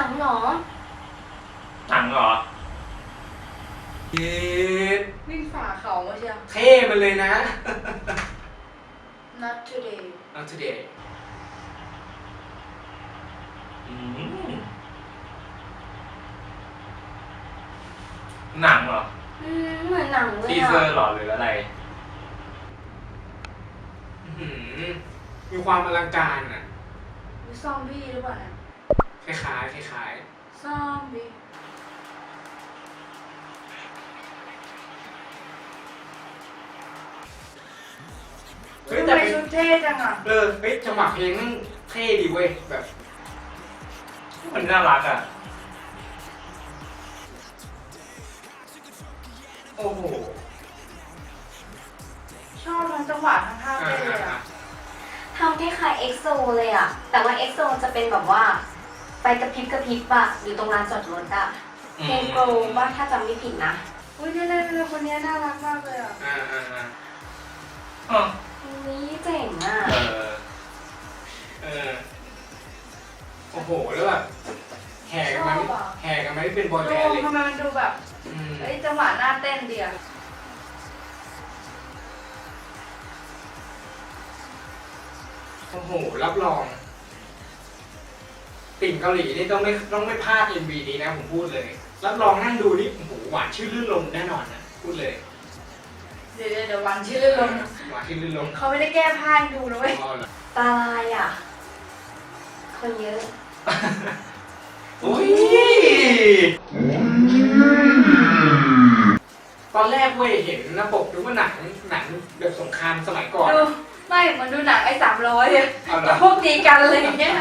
นังเหรอหนังเหรอเย็ดวิ่งฝ่าเขามาเชียวเท่มันเลยนะ Not today Not today หนังเหรอเหมือนหนังเลยทีเซอร์เหรอหรืออะไรมีความอลังการอ่ะมีซอมบี้หรือเปล่าเนี่ยคล้ายๆคล้ายซอมบี้เฮ้ยทำแต่ไมเป็นชุดเท่จังอ่ะเฮ้ยจังหวะเพลงนั่งเท่ดีเว้ยแบบมันน่ารักอ่ะโอ้โหชอบทั้งจังหวะทั้งท่าเต้นเลยอ่ะทำคล้ายๆเอ็กโซเลยอะแต่ว่าเอ็กโซจะเป็นแบบว่าไปกระพริบกระพริบอะอยู่ตรงลานจอดรถอะเพลงโกลว่าถ้าจำไม่ผิดนะอุ้ยเนี่ยคนนี้น่ารักมากเลยอ่ะนี่เจ๋งอะโอ้โหแล้วแบบแห่กันมาไม่เป็นบอยแบนด์เลยทำไมมันดูแบบเฮ้ยจังหวะหน้าเต้นดีอ่ะโอ้โหรับรองติ่งเกาหลีนี่ต้องไม่พลาด MV นี้นะผมพูดเลยรับรองนั่งดูนี่โอ้โหหวานชื่นลื่นลมแน่นอนนะพูดเลยเดี๋ยววันชื่อลงหวานชื่นลื่นลมเขาไม่ได้แก้ผ้าให้ดูนะเว้ยตาลายอะคนเยอะอุ้ยตอนแรกเว้ยเห็นหน้าปกดูว่าหนังแบบสงครามสมัยก่อนดูไม่มันดูหนัง300เลยแต่พวกตีกันอะไรอย่างเงี้ย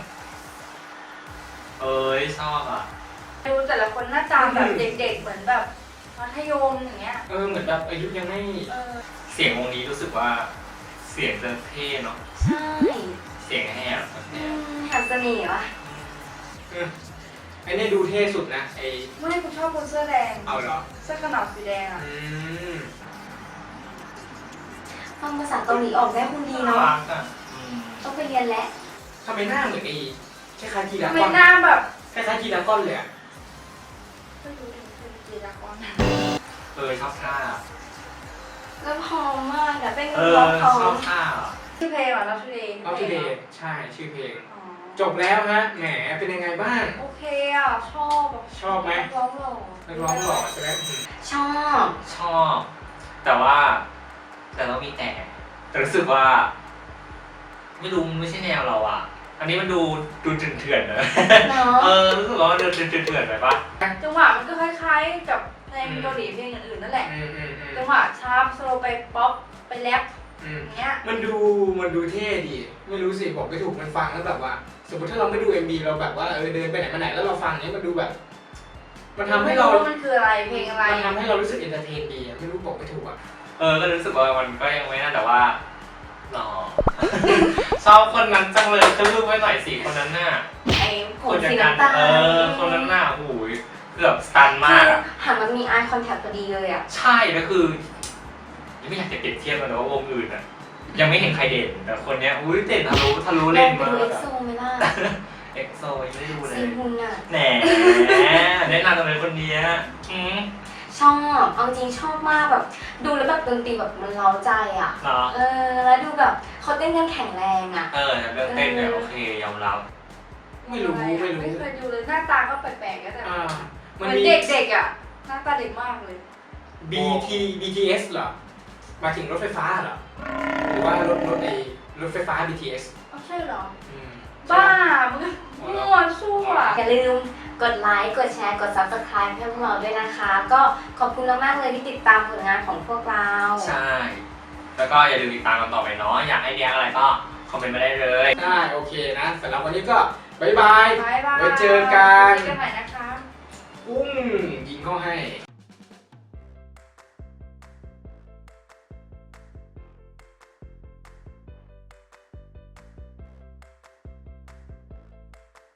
เอ้ยชอบอ่ะดูแต่ละคนหน้าตาแบบเด็กๆเหมือนแบบมัธยมอย่างเงี้ยเหมือนแบบอายุยังไม่เสียงวงนี้รู้สึกว่าเสียงจะเท่เนาะใช่เสียงแหบแหบเสน่ห์วะไอ้นี่ดูเท่สุดนะไอ้ไม่คุณชอบคนเสื้อแดงเอาเหรอเสื้อกันหนาวสีแดงอ่ะฟังภาษาเกาหลีออกได้คุณดีเนาะต้องไปเรียนแล้วทำไมหน้าเหมือนไอ้คล้ายๆกีฬาก้อนทำไมหน้าแบบคล้ายๆกีฬาก้อนเลยอ่ะไม่รู้เป็นกีฬาก้อนชอบท่าแล้วพร้อมมากอะเป็นร้องพร้อมชอบท่าชื่อเพลงเหรอเราชื่อเพลงใช่ชื่อเพลงจบแล้วฮะแหมเป็นยังไงบ้างโอเคอ่ะชอบไหมร้องหล่อนักร้องหล่อใช่ไหมชอบแต่ต้องมีแต่รู้สึกว่าไม่รู้ไม่ใช่แนวเราอ่ะอันนี้มันดูเถื่อนๆนะรู้สึกว่ามันดูเถื่อนๆไปปะจังหวะมันก็คล้ายๆกับเพลงเกาหลีเพลงอื่นๆนั่นแหละจังหวะชาร์ปสโลไปป๊อปไปแรปอย่างเงี้ยมันดูเท่ดีไม่รู้สิบอกไม่ถูกมันฟังแล้วแบบว่าสมมติถ้าเราไม่ดู MV เราแบบว่าเดินไปไหนมาไหนแล้วเราฟังเนี้ยมันดูแบบมันทำให้เรามันคืออะไรเพลงอะไรมันทำให้เรารู้สึกเอนเตอร์เทนดีไม่รู้บอกไม่ถูกอ่ะก็รู้สึกว่ามันก็ยังไม่น่าแต่ว่าหล่อชอบคนนั้นจังเลยคือรูปไว้หน่อยสิคนนั้นน่ะไอ้ผมสีน้ำตาลคนนั้นน่ะโอ้ยเกือบสตันมากหันมันมี eye contact พอดีเลยอ่ะใช่แล้วคือยังไม่อยากจะเปรียบเทียบกันนะว่าวงอื่นอ่ะยังไม่เห็นใครเด่นแต่คนเนี้ยอุ้ยเด่นทะลุเล่นมากเอ็กโซไหมล่ะเอ็กโซยังไม่ดูเลยซีฮุนอ่ะแหนแนะนำเลยคนนี้ชอบเอาจริงชอบมากแบบดูแล้วแบบดนตรีแบบมันเร้าใจอ่ะแล้วดูแบบเขาเต้นกันแข็งแรงอ่ะเรื่องเต้นเนี่ยโอเคยอมรับไม่รู้ไม่เคยดูเลยหน้าตาก็แปลกๆก็แต่เหมือนเด็กๆอ่ะหน้าตาเด็กมากเลย BTS เหรอมาถึงรถไฟฟ้าเหรอหรือว่ารถไฟฟ้า BTS ใช่เหรอบ้ามึงมั่วซั่วอย่าลืมกดไลค์กดแชร์กด Subscribe ให้พวกเราด้วยนะคะก็ขอบคุณมากๆเลยที่ติดตามผลงานของพวกเราใช่แล้วก็อย่าลืมติดตามกันต่อไปเนาะอยากให้เรียกอะไรก็คอมเมนต์มาได้เลยได้โอเคนะสำหรับวันนี้ก็บ๊ายบายไว้เจอกันใหม่นะคะยิงเข้าให้